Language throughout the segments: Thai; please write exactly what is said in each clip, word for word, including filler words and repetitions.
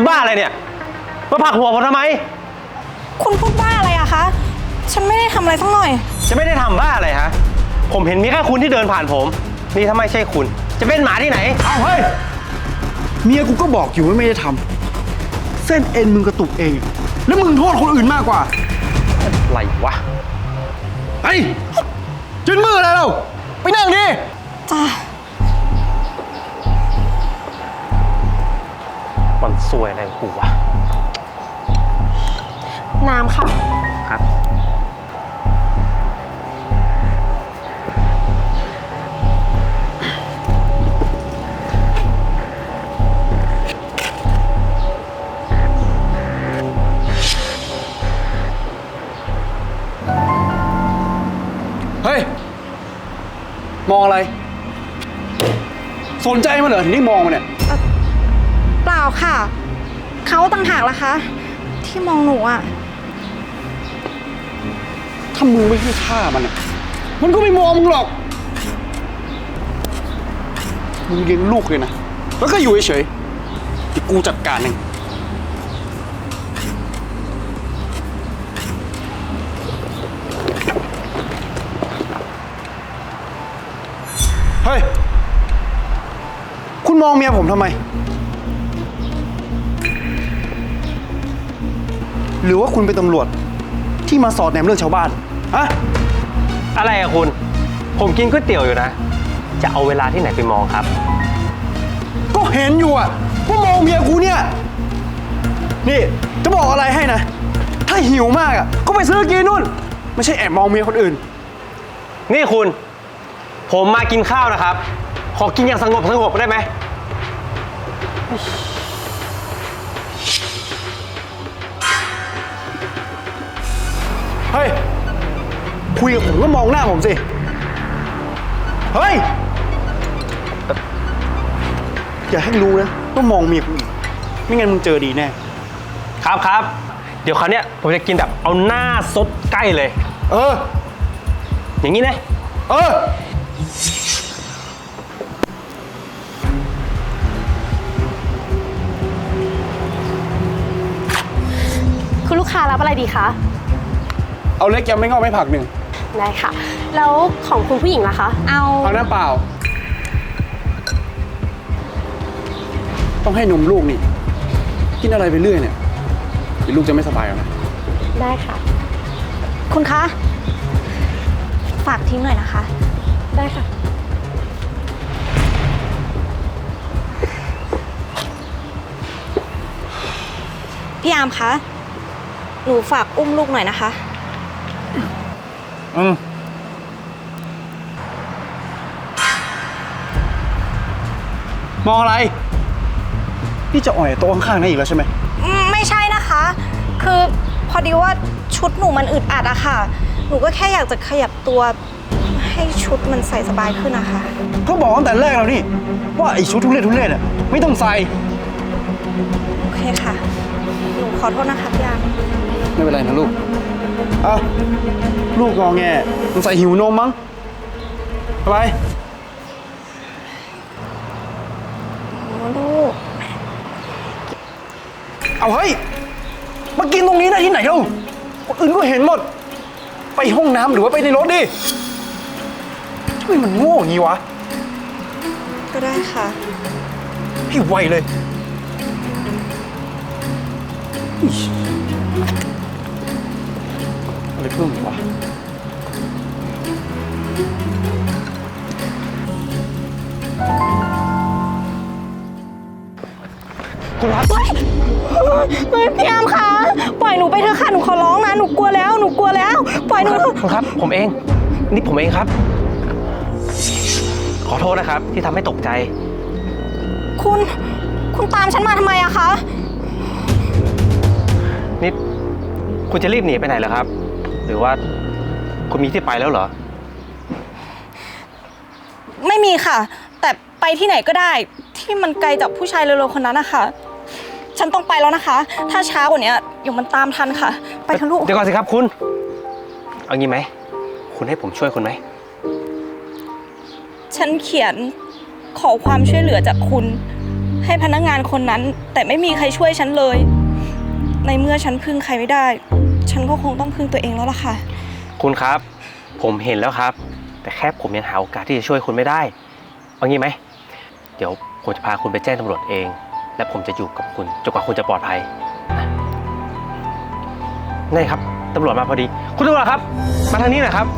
บ้าอะไรเนี่ยมาผลักหัวผมทำไมคุณพูดบ้าอะไรอะคะฉันไม่ได้ทำอะไรสักหน่อยจะไม่ได้ทำบ้าอะไรฮะผมเห็นมีแค่คุณที่เดินผ่านผมนี่ถ้าไม่ใช่คุณจะเป็นหมาที่ไหนเอาเฮ้ยเมียกูก็บอกอยู่ว่าไม่ได้ทำเส้นเอ็นมึงกระตุกเองแล้วมึงโทษคนอื่นมากกว่าอะไรวะไอ้จืนมืออะไรเราไปนั่งดิจ้ามันซวยอะไรกูวะน้ำค่ะครับเฮ้ยมองอะไรสนใจมันเหรอถึงได้มองมันเนี่ยเปล่าค่ะเขาต่างหากล่ะคะที่มองหนูอะถ้ามึงไม่ให้ค่ามันอ่ะมันก็ไม่มองมึงหรอกมึงเลี้ยงลูกเลยนะแล้วก็อยู่เฉยๆที่กูจัดการเองเฮ้ยคุณมองเมียผมทำไมหรือว่าคุณเป็นตำรวจที่มาสอดแนมเรื่องชาวบ้านฮะอะไรอะคุณผมกินก๋วยเตี๋ยวอยู่นะจะเอาเวลาที่ไหนไปมองครับก็เห็นอยู่อะว่ามองเมียกูเนี่ยนี่จะบอกอะไรให้นะถ้าหิวมากอะก็ไปซื้อกินนู่นไม่ใช่แอบมองเมียคนอื่นนี่คุณผมมากินข้าวนะครับขอกินอย่างสงบสงบได้ไหมเฮ้ยคุยกับผมก็มองหน้าผมสิเฮ้ยอย่าให้รู้นะต้องมองเมียกูอีกไม่งั้นมึงเจอดีแน่ครับครับเดี๋ยวคราวนี้ผมจะกินแบบเอาหน้าซดใกล้เลยเอออย่างนี้นะเออคุณลูกค้ารับอะไรดีคะเอาเล็กยำไม่งอกไม่ผักหนึ่งได้ค่ะแล้วของคุณผู้หญิงล่ะคะเอาเอาน้ำเปล่าต้องให้นมลูกนี่กินอะไรไปเรื่อยเนี่ยเดี๋ยวลูกจะไม่สบายเอานะได้ค่ะคุณคะฝากทิ้งหน่อยนะคะได้ค่ะพี่อามคะหนูฝากอุ้มลูกหน่อยนะคะอืมมองอะไรนี่จะอ่อยโต๊ะข้างๆนั่นอีกแล้วใช่ไหมไม่ใช่นะคะคือพอดีว่าชุดหนูมันอึดอัดอะค่ะหนูก็แค่อยากจะขยับตัวให้ชุดมันใส่สบายขึ้นนะคะก็บอกตั้งแต่แรกแล้วนี่ว่าไอ้ชุดทุเรศทุเรศอะไม่ต้องใส่โอเคค่ะหนูขอโทษนะคะพี่อามไม่เป็นไรนะลูกเอาลูกงอแงมันใส่หิวนมมั้งไปลูกเอาเฮ้ยมากินตรงนี้ได้ที่ไหนเล่าคนอื่นก็เห็นหมดไปห้องน้ำหรือว่าไปในรถดิทำไมมันโง่อย่างนี้วะก็ได้ค่ะให้ไวเลยอะไรเพิ่มอีกวะคุณครับเฮ้ยพี่อามคะปล่อยหนูไปเถอะค่ะหนูขอร้องนะหนูกลัวแล้วหนูกลัวแล้วปล่อยหนูคุณครับผมเองนี่ผมเองครับขอโทษนะครับที่ทำให้ตกใจคุณคุณตามฉันมาทำไมอะคะนี่คุณจะรีบหนีไปไหนเหรอครับหรือว่าคุณมีที่ไปแล้วเหรอไม่มีค่ะแต่ไปที่ไหนก็ได้ที่มันไกลจากผู้ชายเร็วๆคนนั้นนะคะฉันต้องไปแล้วนะคะถ้าช้ากว่านี้เดี๋ยวมันตามทันค่ะไปเถอะลูกเดี๋ยวก่อนสิครับคุณเอางี้ไหมคุณให้ผมช่วยคุณไหมฉันเขียนขอความช่วยเหลือจากคุณใให้พนักงานคนนั้น แต่ไม่มีใครช่วยฉันเลย ในเมื่อฉันพึ่งใครไม่ได้ ฉันก็คงต้องพึ่งตัวเองแล้วล่ะค่ะคุณครับ ผมเห็นแล้วครับ แต่แค่ผมยังหาโอกาสที่จะช่วยคุณไม่ได้เอางี้ไหมเดี๋ยวผมจะพาคุณไปแจ้งตำรวจเอง และผมจะอยู่กับคุณจนกว่าคุณจะปลอดภัยนะนี่ครับตำรวจมาพอดี คุณตำรวจครับ มาทางนี้หน่อยครับ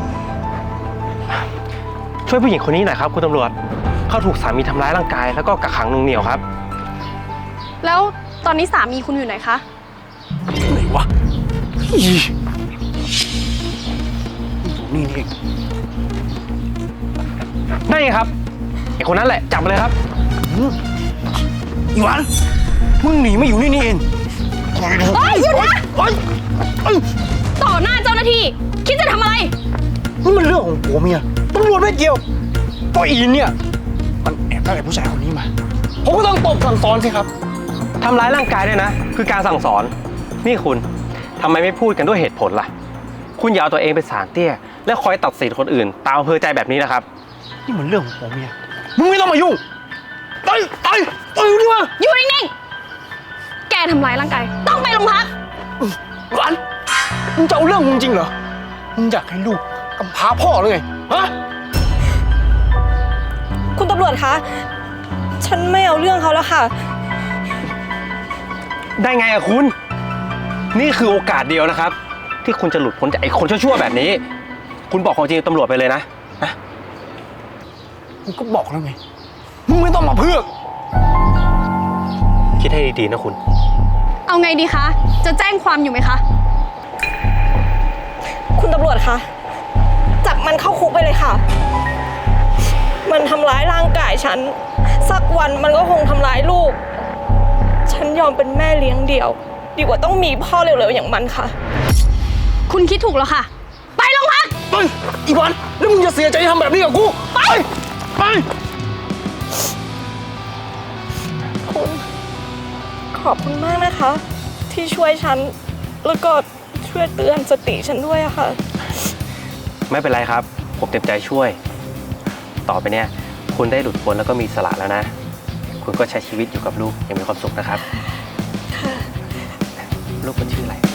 ช่วยผู้หญิงคนนี้หน่อยครับคุณตำรวจเขาถูกสามีทำร้ายร่างกายแล้วก็กักขังหน่วงเหนี่ยวครับแล้วตอนนี้สามีคุณอยู่ไหนคะไหนวะอีอยู่นี่นี่เองได้ไงครับไอ้คนนั้นแหละจับไปเลยครับอีหวานมึงหนีไม่อยู่นี่นี่เองปล่อยเถอะเฮ้ยหยุดนะเฮ้ยเอ้ยต่อหน้าเจ้าหน้าที่ คิดจะทำอะไรนี่มันเรื่องของผัวเมียตำรวจไม่เกี่ยวเพราะอีนเนี่ย มันแอบได้ไอ้ผู้ชายคนนี้มา ผมก็ต้องตบสั่งสอนสิครับทำร้ายร่างกายด้วยนะ คือการสั่งสอน นี่คุณทำไมไม่พูดกันด้วยเหตุผลล่ะ คุณอย่าเอาตัวเองเป็นสารเตี้ย และคอยตัดสินคนอื่น ตามอำเภอใจแบบนี้นะครับนี่มันเรื่องของผัวเมียมึงไม่ต้องมายุ่งไปไปไปอยู่ดีกว่าอยู่นิ่งๆ แกทำร้ายร่างกาย ต้องไปโรงพักหวานมึงจะเอาเรื่องมึงจริงเหรอมึงอยากให้ลูกกำพร้าพ่อหรือไงฮะคุณตำรวจคะ ฉันไม่เอาเรื่องเขาแล้วค่ะได้ไงอะคุณ นี่คือโอกาสเดียวนะครับ ที่คุณจะหลุดพ้นจากไอ้คนชั่วๆแบบนี้ คุณบอกความจริงกับตำรวจไปเลยนะนะมึงก็บอกแล้วไงมึงไม่ต้องมาเพือกคิดให้ดีๆนะคุณเอาไงดีคะ จะแจ้งความอยู่ไหมคะคุณตำรวจคะจับมันเข้าคุกไปเลยค่ะ มันทำร้ายร่างกายฉัน สักวันมันก็คงทำร้ายลูก ฉันยอมเป็นแม่เลี้ยงเดี่ยว ดีกว่าต้องมีพ่อเร็วๆอย่างมันค่ะคุณคิดถูกแล้วค่ะ ไปโรงพักไปอีวันแล้วมึงจะเสียใจที่ทำแบบนี้กับกูไปไปคุณ ขอบคุณมากนะคะ ที่ช่วยฉัน แล้วก็ช่วยเตือนสติฉันด้วยอะค่ะไม่เป็นไรครับ ผมเต็มใจช่วย ต่อไปเนี่ย คุณได้หลุดพ้นแล้วก็มีอิสละแล้วนะ คุณก็ใช้ชีวิตอยู่กับลูกอย่างมีความสุขนะครับค่ะลูกมันชื่ออะไร